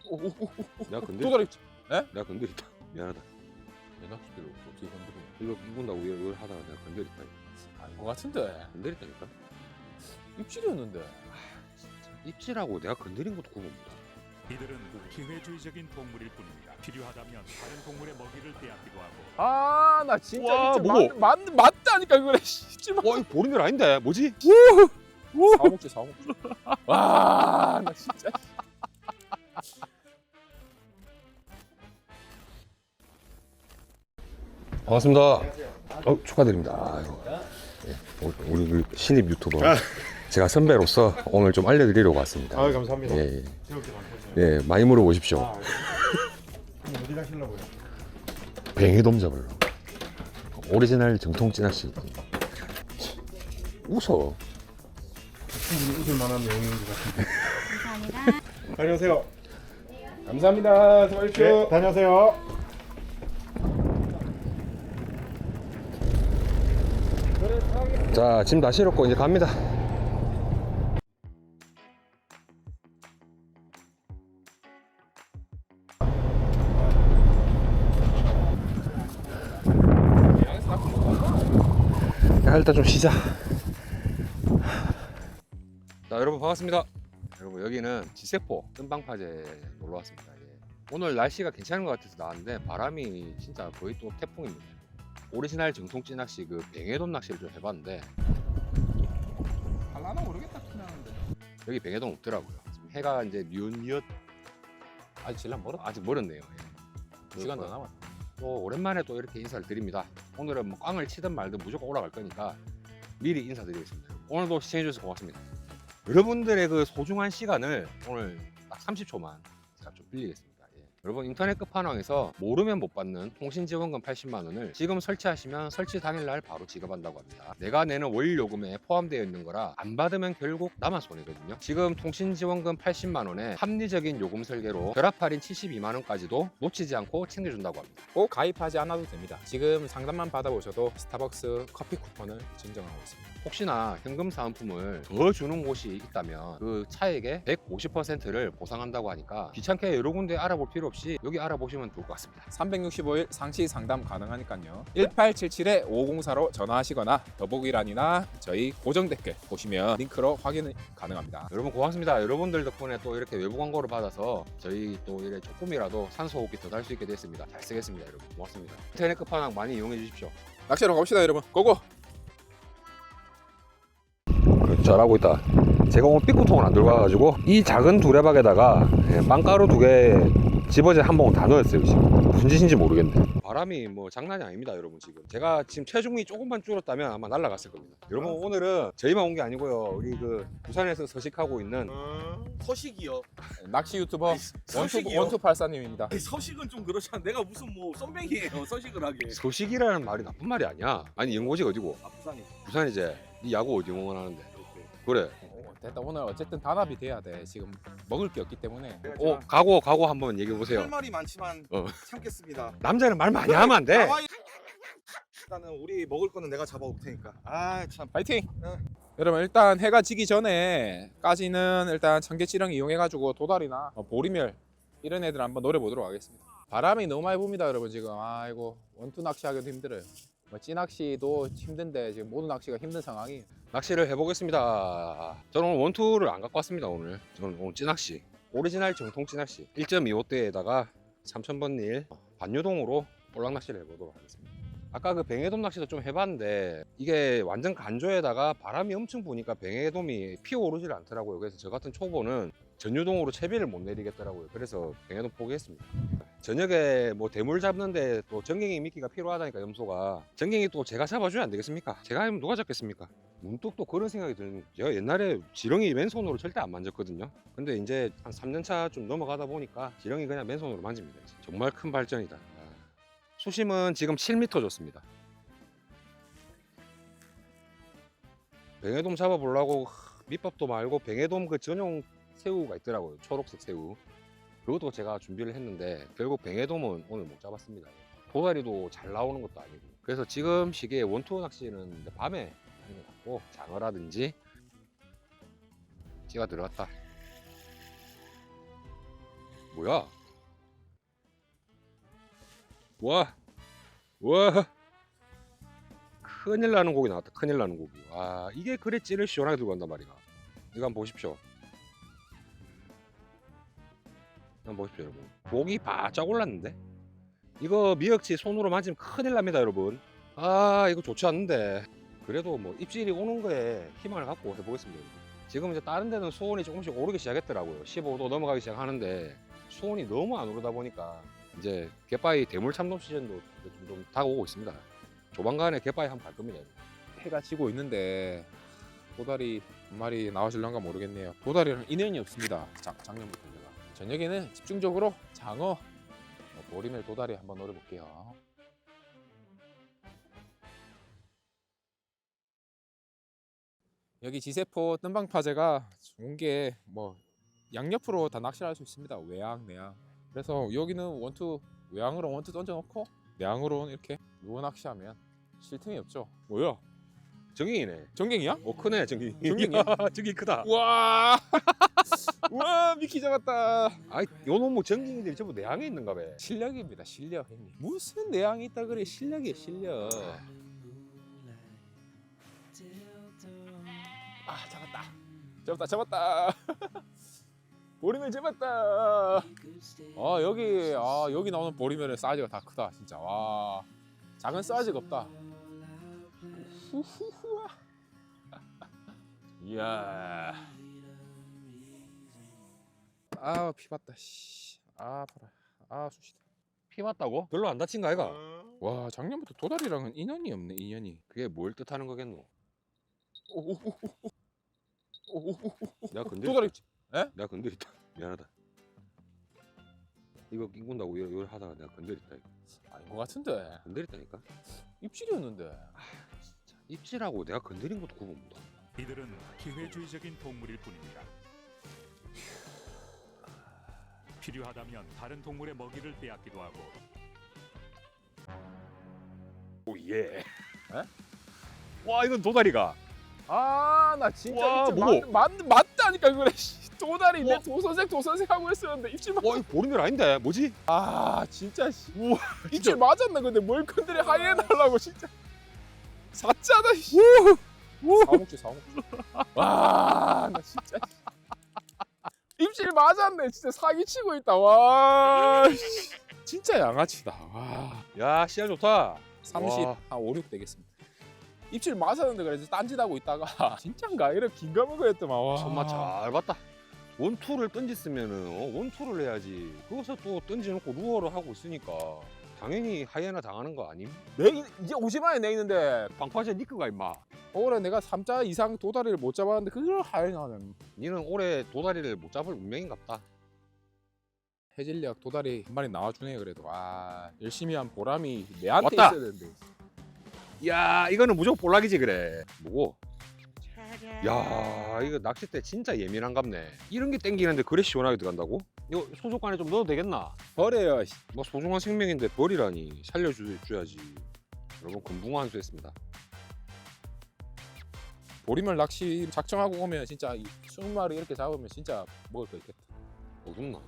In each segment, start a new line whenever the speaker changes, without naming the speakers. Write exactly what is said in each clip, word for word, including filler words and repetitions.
내가 건드렸다.
도다리. 에?
내가 건드렸다. 미안하다.
내 낚싯대를 어떻게 건드리냐?
이거 이분다고 이걸 하다가 내가 건드렸다.
아닌 것 같은데.
건드렸다니까.
입질이었는데.
입질하고 내가 건드린 것도 구분입니다.
이들은 기회주의적인 동물일 뿐입니다. 필요하다면 다른 동물의 먹이를 빼앗기도 하고
아, 나 진짜
와,
입질
뭐?
맞, 맞, 맞다니까 그래. 입질 맞.
와 이거 보는 일 아닌데 뭐지?
사먹지 사먹지. 와, 나 진짜.
반갑습니다. 어, 축하드립니다. 아이고. 예, 우리 그 신입 유튜버 제가 선배로서 오늘 좀 알려드리려고 왔습니다.
아 감사합니다.
예, 예.
새롭게 만드셨어요.
예, 많이 물어보십시오.
아, 그럼 어디 가시려고요?
뱅에돔 잡으러. 오리지널 정통 찌낚시. 웃어.
충분히 웃을 만한 내용인 것 같은데.
감사합니다.
다녀오세요.
감사합니다. 수고하십시오.
네, 다녀오세요.
자, 짐 다 실었고 이제 갑니다. 야, 일단 좀 쉬자. 자, 여러분 반갑습니다. 여러분 여기는 지세포 뜸방파제 놀러 왔습니다. 예. 오늘 날씨가 괜찮은 것 같아서 나왔는데 바람이 진짜 거의 또 태풍입니다. 오리지널 정통 찌낚시 그 뱅에돔 낚시를 좀 해봤는데
할라나 모르겠다 티나는데.
여기 뱅에돔 없더라고요. 지금 해가 이제 뉘엿뉘엿
아직 질량 멀어?
아직 멀었네요. 예.
두 시간 더 남았.
또 오랜만에 또 이렇게 인사를 드립니다. 오늘은 뭐 꽝을 치든 말든 무조건 올라갈 거니까 미리 인사드리겠습니다. 오늘도 시청해주셔서 고맙습니다. 여러분들의 그 소중한 시간을 오늘 딱 삼십 초만 제가 좀 빌리겠습니다. 예. 여러분 인터넷 끝판왕에서 모르면 못 받는 통신지원금 팔십만 원을 지금 설치하시면 설치 당일날 바로 지급한다고 합니다. 내가 내는 월 요금에 포함되어 있는 거라 안 받으면 결국 나만 손해거든요. 지금 통신지원금 팔십만 원에 합리적인 요금 설계로 결합 할인 칠십이만 원까지도 놓치지 않고 챙겨준다고 합니다.
꼭 가입하지 않아도 됩니다. 지금 상담만 받아보셔도 스타벅스 커피 쿠폰을 증정하고 있습니다.
혹시나 현금 사은품을 더 주는 곳이 있다면 그 차액의 백오십 퍼센트를 보상한다고 하니까 귀찮게 여러 군데 알아볼 필요 없이 여기 알아보시면 좋을 것 같습니다.
삼백육십오 일 상시 상담 가능하니까요. 일팔칠칠 오공사로 전화하시거나 더보기란이나 저희 고정 댓글 보시면 링크로 확인 가능합니다.
여러분 고맙습니다. 여러분들 덕분에 또 이렇게 외부 광고를 받아서 저희 또 이래 조금이라도 산소호흡기 더 달 수 있게 됐습니다. 잘 쓰겠습니다. 여러분 고맙습니다. 인터넷 끝판왕 많이 이용해 주십시오.
낚시로 갑시다 여러분. 고고!
잘하고 있다. 제가 오늘 삐꾸통을 안 들고 와가지고 이 작은 두레박에다가 빵가루 두 개 집어제 한 봉 다 넣었어요. 지금 무슨 짓인지 모르겠네. 바람이 뭐 장난이 아닙니다. 여러분 지금 제가 지금 체중이 조금만 줄었다면 아마 날아갔을 겁니다. 여러분 오늘은 저희만 온 게 아니고요. 우리 그 부산에서 서식하고 있는
어, 서식이요.
낚시 유튜버 원투,
서식이요?
원투팔사님입니다.
아니, 서식은 좀 그렇잖아. 내가 무슨 뭐 썸뱅이에요. 서식을 하게.
소식이라는 말이 나쁜 말이 아니야. 아니 연고지 어디고?
아 부산이.
부산이지. 네 야구 어디 응원하는데? 그래.
어, 됐다. 오늘 어쨌든 단합이 돼야 돼. 지금 먹을 게 없기 때문에.
어 각오 각오 한번 얘기해 보세요.
할 말이 많지만
어.
참겠습니다.
남자는 말 많이 하면 안 돼.
나와, 이- 일단은 우리 먹을 거는 내가 잡아올 테니까. 아 참.
파이팅!
어.
여러분 일단 해가 지기 전에까지는 일단 청계치령 이용해가지고 도다리나 어, 보리멸 이런 애들 한번 노려보도록 하겠습니다. 바람이 너무 많이 붑니다 여러분 지금. 아이고 원투 낚시하기도 힘들어요. 뭐 찌낚시도 힘든데 지금 모든 낚시가 힘든 상황이.
낚시를 해보겠습니다. 저는 오늘 원투를 안 갖고 왔습니다. 오늘 저는 오늘 찌낚시 오리지널 정통 찌낚시 일 점 이오 대에다가 삼천 번 릴 반유동으로 볼락 낚시를 해보도록 하겠습니다. 아까 그 뱅에돔 낚시도 좀 해봤는데 이게 완전 간조에다가 바람이 엄청 부니까 뱅에돔이 피어오르질 않더라고요. 그래서 저 같은 초보는 전유동으로 채비를 못 내리겠더라고요. 그래서 뱅에돔 포기했습니다. 저녁에 뭐 대물 잡는데 또 전갱이 미끼가 필요하다니까 염소가 전갱이 또 제가 잡아줘야 안 되겠습니까? 제가 하면 누가 잡겠습니까? 문득 또 그런 생각이 드는 제가 옛날에 지렁이 맨손으로 절대 안 만졌거든요. 근데 이제 한 삼 년 차 좀 넘어가다 보니까 지렁이 그냥 맨손으로 만집니다. 정말 큰 발전이다. 아. 수심은 지금 칠 미터 줬습니다. 뱅에돔 잡아보려고 밑밥도 말고 뱅에돔 그 전용 새우가 있더라고요. 초록색 새우. 그것도 제가 준비를 했는데 결국 뱅에돔은 오늘 못 잡았습니다. 도다리도 잘 나오는 것도 아니고. 그래서 지금 시기에 원투 낚시는 밤에 하는 것 같고 장어라든지 찌가 들어갔다. 뭐야? 와, 와, 큰일 나는 고기 나왔다. 큰일 나는 고기. 와, 이게 그래 찌를 시원하게 들고 간단 말이야. 이거 한번 보십시오. 한번 보십시오, 여러분. 목이 바짝 올랐는데? 이거 미역치 손으로 만지면 큰일 납니다, 여러분. 아, 이거 좋지 않는데. 그래도 뭐 입질이 오는 거에 희망을 갖고 해보겠습니다, 여러분. 지금 이제 다른 데는 수온이 조금씩 오르기 시작했더라고요. 십오 도 넘어가기 시작하는데 수온이 너무 안 오르다 보니까 이제 갯바위 대물 참돔 시즌도 좀, 좀 다가오고 있습니다. 조만간에 갯바위 한번 갈 겁니다, 여러분.
해가 지고 있는데 도다리 한 마리 나와줄런가 모르겠네요. 도다리랑 인연이 없습니다. 작, 작년부터 제가. 저녁에는 집중적으로 장어, 어, 보리멸 도다리 한번 노려볼게요. 여기 지세포 뜸방파제가 좋은 게 뭐 양옆으로 다 낚시를 할 수 있습니다. 외양, 내양. 그래서 여기는 원투 외양으로 원투 던져놓고 내양으로 이렇게 누워 낚시하면 쉴 틈이 없죠. 뭐야?
정갱이네.
정갱이야?
어, 크네, 정갱이.
정갱이야?
정갱이 크다.
와, 와 미키 잡았다.
아이, 요 놈의 정갱이들이 전부 내항에 있는가 봐.
실력입니다, 실력 형님. 무슨 내향이 있다 그래? 실력이야, 실력. 아, 잡았다, 잡았다, 잡았다. 보리멸 잡았다. 아 여기, 아 여기 나오는 보리멸의 사이즈가 다 크다, 진짜. 와, 작은 사이즈가 없다. 후후후아. 이야. 아 피봤다. 씨. 아 아파라. 아 쑤시다.
피 맞다고? 별로 안 다친 거 아이가?
와 작년부터 도다리랑은 인연이 없네, 인연이.
그게 뭘 뜻하는 거겠노?
오오오오오오오오.
내가 건드렸다.
도다리.
내가 건드렸다. 미안하다. 이거 낑군다고 이러, 이러 하다가 내가 건드렸다. 이거.
아닌 것 같은데.
건드렸다니까?
입질이었는데.
진짜 입질하고 내가 건드린 것도 구분 못하.
이들은 기회주의적인 동물일 뿐입니다. 필요하다면 다른 동물의 먹이를 빼앗기도 하고
오예. 와, 이건 도다리가.
아 나 진짜
와,
입질
뭐고?
맞, 맞, 맞다니까 그래. 씨. 도다리
와.
내 도선생 도선생 하고 있었는데 입질 맞.
와, 이거 보리멸 아닌데? 뭐지?
아 진짜 씨.
우와,
입질 맞았나 근데 뭘 건드려 하이에나 하려고 진짜. 사짜다 씨. 사먹지 사먹지. 와나 진짜. 입질 맞았네. 진짜 사기치고 있다. 와 씨. 진짜 양아치다. 와
야, 씨알 좋다.
삼십
와.
한 오, 육 되겠습니다. 입질 맞았는데 그래서 딴짓하고 있다가 진짠가 이렇게 긴가민가 했더만. 와
손맛 잘 봤다. 원투를 던졌으면은 어, 원투를 해야지. 거기서 또 던져놓고 루어를 하고 있으니까 당연히 하이에나 당하는 거 아님?
내 이제 오십만에 내 있는데
방파제 니크가 임마.
올해 내가 삼 자 이상 도다리를 못 잡았는데 그걸 하이에나는.
니는 올해 도다리를 못 잡을 운명인갑다.
해질녘 도다리 한 마리 나와주네. 그래도 아 열심히 한 보람이 내한테
왔다.
있어야 되는데.
야, 이거는 무조건 볼락이지 그래. 뭐고? 야, 이거 낚싯대 진짜 예민한갑네. 이런 게 땡기는데 그래 시원하게 들어간다고? 이거 소속관에 좀 넣어도 되겠나?
버려요. 씨.
뭐 소중한 생명인데 버리라니. 살려줘야지. 여러분 금붕어 한 수 했습니다.
보리멸 낚시 작정하고 오면 진짜 스무 마리 이렇게 잡으면 진짜 먹을 거 있겠다.
어둡나?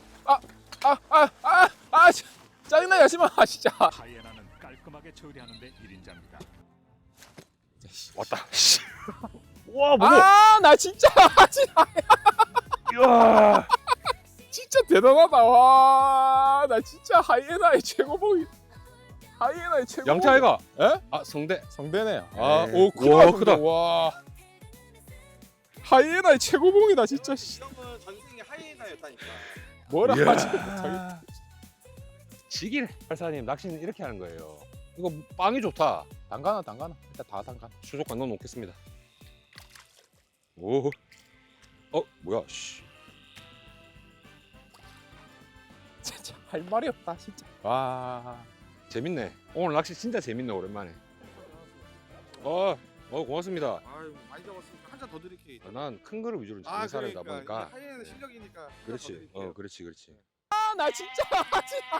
아아아아 짜증나 야심아 진짜.
하이에나는 깔끔하게 처리하는 데 일인자입니다.
왔다. 와, 뭐고?
아 나 진짜 진짜
이야.
진짜 대단하다. 와 나 진짜 하이에나의 최고봉이. 하이에나의 최고.
양차이가?
에?
아, 성대.
성대네.
네.
아오 크다.
와,
성대.
크다.
와 하이에나의 최고봉이다 진짜. 씨.
이런 건 전생에 하이에나였다니까.
뭐라
이야.
하지 못하겠다.
지기래. 발사님 낚시는 이렇게 하는 거예요. 이거 빵이 좋다.
담가나 담가나 일단 다 담가.
수족관 넣어 놓겠습니다. 오. 어, 뭐야? 씨.
진짜 할 말이 없다 진짜. 와
재밌네. 오늘 낚시 진짜 재밌네, 오랜만에. 어, 어 고맙습니다.
아유 많이 잡았으니까 한 잔 더 드릴게요.
아, 난 큰 거를 위주로
아
잡는 사람이다
그러니까
보니까.
이게 하이에나
네.
실력이니까 한잔 더
그렇지.
드릴게요.
어, 그렇지, 그렇지.
아, 나 진짜 하지 마.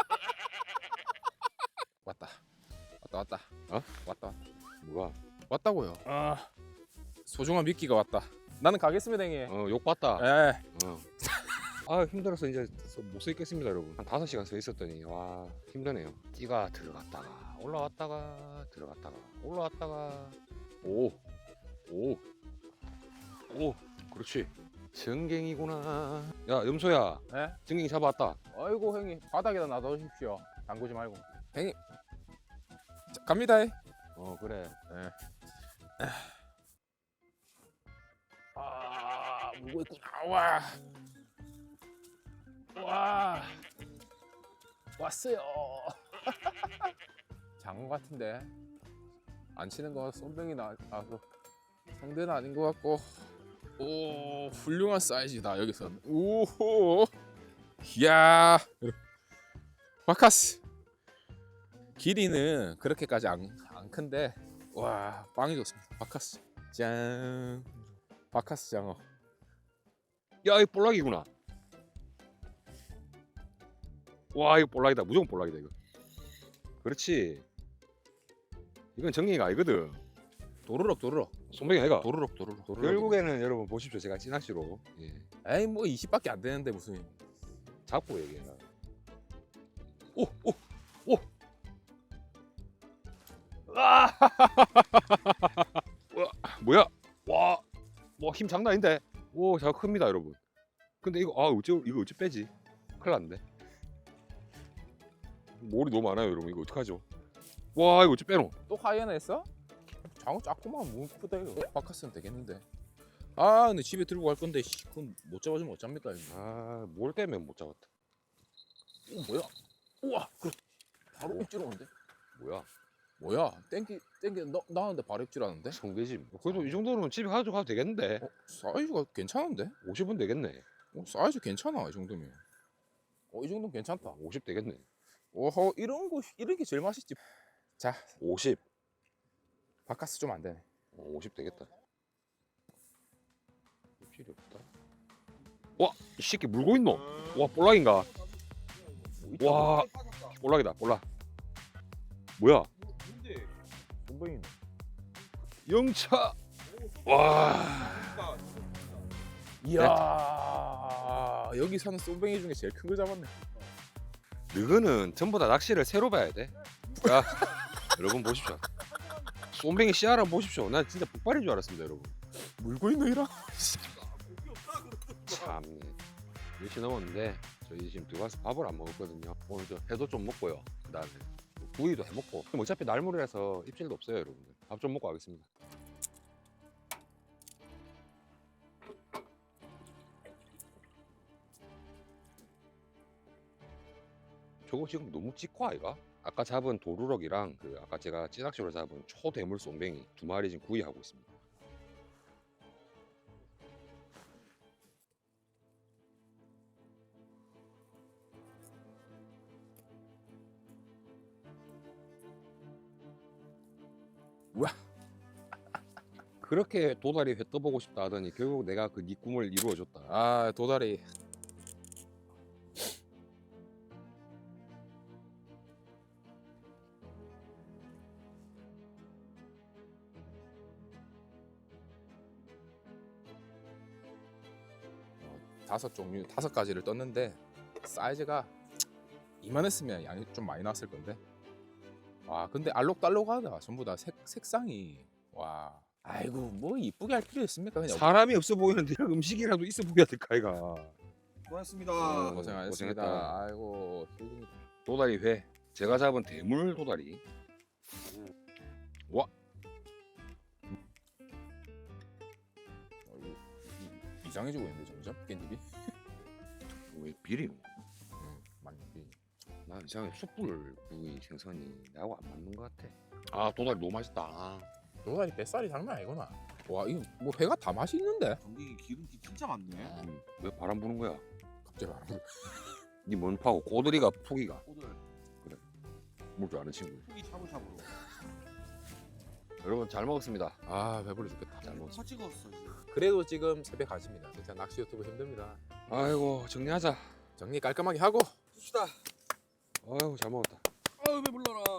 왔다 왔다 왔다.
어?
왔다
뭐가?
왔다고요. 아 소중한 미끼가 왔다. 나는 가겠습니다 형님.
어, 욕 봤다.
에
어. 아 힘들어서 이제 못 서 있겠습니다 여러분. 한 다섯 시간 서 있었더니 와 힘드네요. 띠가 들어갔다가 올라왔다가 들어갔다가 올라왔다가 오 오 오 그렇지. 전갱이구나. 야 염소야
네?
전갱이 잡아왔다.
아이고 형님 바닥에다 놔두십시오. 담그지 말고. 형님 자, 갑니다.
어 그래.
네. 아 물고 있구나. 와. 와. 왔어요. 장어 같은데 안 치는 거 쏨뱅이 나 나서 상대는 아닌 것 같고. 오 훌륭한 사이즈다 여기서. 오호. 이야. 바카스. 길이는 그렇게까지 안, 안 큰데 와 빵이 좋습니다. 바카스 짠. 바카스 장어.
야 이거 볼락이구나. 와 이거 볼락이다. 무조건 볼락이다 이거. 그렇지. 이건 정갱이가 아니거든.
도르륵 도르륵
손뱅이 아이가.
도르륵 도르륵 도르륵.
결국에는 여러분 보십시오. 제가 찌낚시로 예.
에이 뭐 이십밖에 안 되는데 무슨.
잡고 얘기해라. 오, 오, 오. 아! 와, 뭐야? 와, 뭐 힘 장난 아닌데. 오, 잘 큽니다, 여러분. 근데 이거 아, 어째 이거 어째 빼지? 큰일 났는데. 몰이 너무 많아요, 여러분. 이거 어떡하죠? 와, 이거 어째 빼노?
또 하이에나 했어? 장어 작구만 뭐 크다 이거. 바카스는 되겠는데. 아 근데 집에 들고 갈 건데 씨, 그건 못 잡아주면 어쩝니까 이거.
아, 몰 때문에 못 잡았다.
오 뭐야? 우와 그 바로 입질 오는데?
뭐야?
뭐야? 땡기 땡기 나, 나는데 바로 입질 하는데?
성게짐. 그래도 이 정도면 집에 가져가도 되겠는데.
어, 사이즈가 괜찮은데?
오십 원 되겠네.
어, 사이즈 괜찮아 이 정도면. 어 이 정도면 괜찮다.
오십 되겠네.
오호 이런 거 이런 게 제일 맛있지. 자
오십.
바카스 좀 안 되네.
어, 오십 되겠다. 입질이 없다. 와, 이 새끼 물고 있노? 와, 볼락인가? 와, 볼락이다, 볼락. 뭐야?
쏨뱅이.
영차. 와,
이야 여기 사는 쏨뱅이 중에 제일 큰 거 잡았네.
너는 전부 다 낚시를 새로 봐야 돼. 자, 여러분 보십시오. 쏨뱅이 씨알을 보십시오. 난 진짜 북발인 줄 알았습니다, 여러분.
물고 있노 이라?
참, 몇 시 넘었는데 저희 지금 들어가서 밥을 안 먹었거든요. 오늘 저 회도 좀 먹고요. 그다음에 구이도 해 먹고. 그럼 어차피 날물이라서 입질도 없어요, 여러분들. 밥 좀 먹고 가겠습니다. 저거 지금 너무 찍고 아이가? 아까 잡은 도루럭이랑 그 아까 제가 찌낚시로 잡은 초대물 쏨뱅이 두 마리 지금 구이하고 있습니다.
우와.
그렇게 도다리 회 떠보고 싶다 하더니 결국 내가 그 네 꿈을 이루어줬다.
아 도다리. 어, 다섯 종류 다섯 가지를 떴는데 사이즈가 이만했으면 양이 좀 많이 나왔을 건데. 와 근데 알록달록하다 전부 다 색, 색상이. 와 아이고 뭐 이쁘게 할 필요 있습니까 그냥.
사람이 없어 보이는데 음식이라도 있어 보여야 될 까 이가.
고맙습니다.
어,
고생하셨습니다.
고생했다.
아이고 힐링이다.
도다리 회. 제가 잡은 대물 도다리. 와,
어, 이- 이- 이상해지고 있는데 점점 깻잎이.
왜 비리노?
음, 많이 비.
나 이상하게 숯불 구이 생선이 나하고 안 맞는 것 같아. 아 도다리 너무 맛있다.
도다리 뱃살이 장난 아니구나. 와 이거 뭐 회가 다 맛이 있는데.
전기 기름기 진짜 많네.
음, 왜 바람 부는 거야?
갑자기 안 불.
니 뭔파고 꼬들이가 푸기가
오늘
물 줄 아는 친구.
이 샤브샤브로.
여러분 잘 먹었습니다.
아 배불러 죽겠다.
잘 먹었습니다.
터 찍었어 지금.
그래도 지금 새벽 가십니다. 진짜 낚시 유튜브 힘듭니다.
아이고 정리하자.
정리 깔끔하게 하고.
봅시다.
아이고 잘 먹었다.
아유 왜 불러라.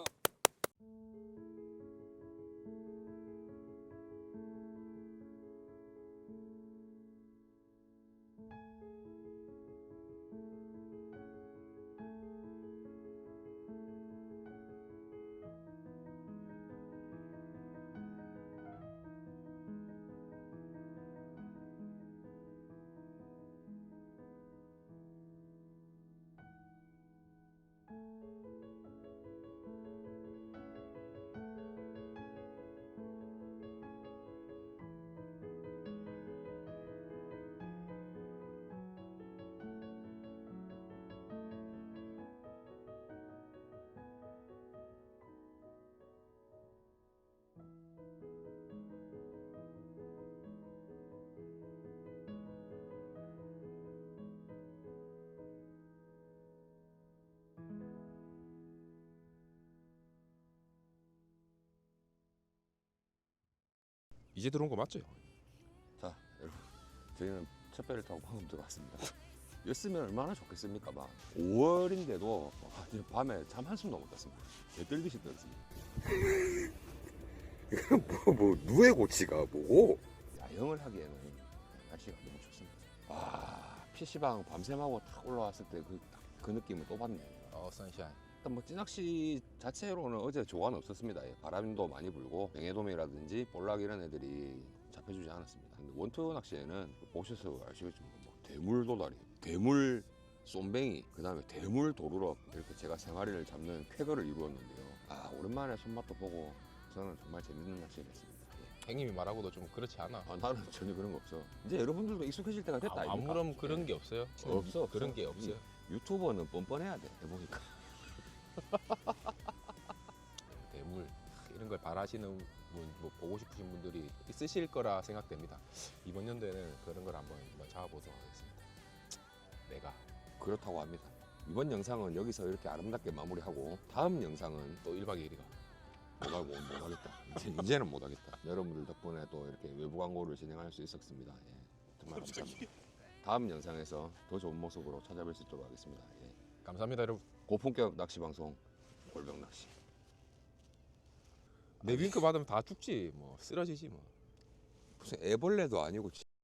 이제 들어온 거 맞죠?
자 여러분 저희는 첫 배를 타고 방금 들어왔습니다. 였으면 얼마나 좋겠습니까? 막 오월인데도 아, 지금 밤에 잠 한숨도 못 잤습니다. 개떨듯이 떨었습니다. 이건 뭐, 뭐 누에 고치가 뭐고? 야영을 하기에는 날씨가 너무 좋습니다. 와 피시방 밤샘하고 딱 올라왔을 때 그 그 느낌을 또 받네요.
어 선샤인.
일단 뭐 찌낚시 자체로는 어제 조화는 없었습니다. 예, 바람도 많이 불고 뱅에돔이라든지 볼락 이런 애들이 잡혀주지 않았습니다. 근데 원투 낚시에는 보셔서 아시겠지만 뭐 대물 도다리, 대물 쏨뱅이, 그 다음에 대물 도루럭 이렇게 제가 생활인을 잡는 쾌거를 이루었는데요. 아 오랜만에 손맛도 보고 저는 정말 재밌는 낚시를 했습니다. 예.
형님이 말하고도 좀 그렇지 않아.
아, 나는 전혀 그런 거 없어. 이제 여러분들도 익숙해질 때가 됐다.
아,
아닙니까?
아무런 그런 게 없어요.
없어,
그런
없어.
게 없어요.
유튜버는 뻔뻔해야 돼. 해보니까.
대물 이런 걸 바라시는 분, 뭐 보고 싶으신 분들이 있으실 거라 생각됩니다. 이번 연도에는 그런 걸 한번, 한번 잡아보도록 하겠습니다. 내가
그렇다고 합니다. 이번 영상은 여기서 이렇게 아름답게 마무리하고 다음 영상은
또 일 박 이 일이가
못하고 못하겠다. 이제, 이제는 못하겠다. 여러분들 덕분에 또 이렇게 외부 광고를 진행할 수 있었습니다. 예, 정말 감사합니다. 다음 영상에서 더 좋은 모습으로 찾아뵐 수 있도록 하겠습니다. 예.
감사합니다, 여러분.
고품격 낚시 방송 골병 낚시.
내 윙크 받으면 다 죽지, 뭐 쓰러지지 뭐.
무슨 애벌레도 아니고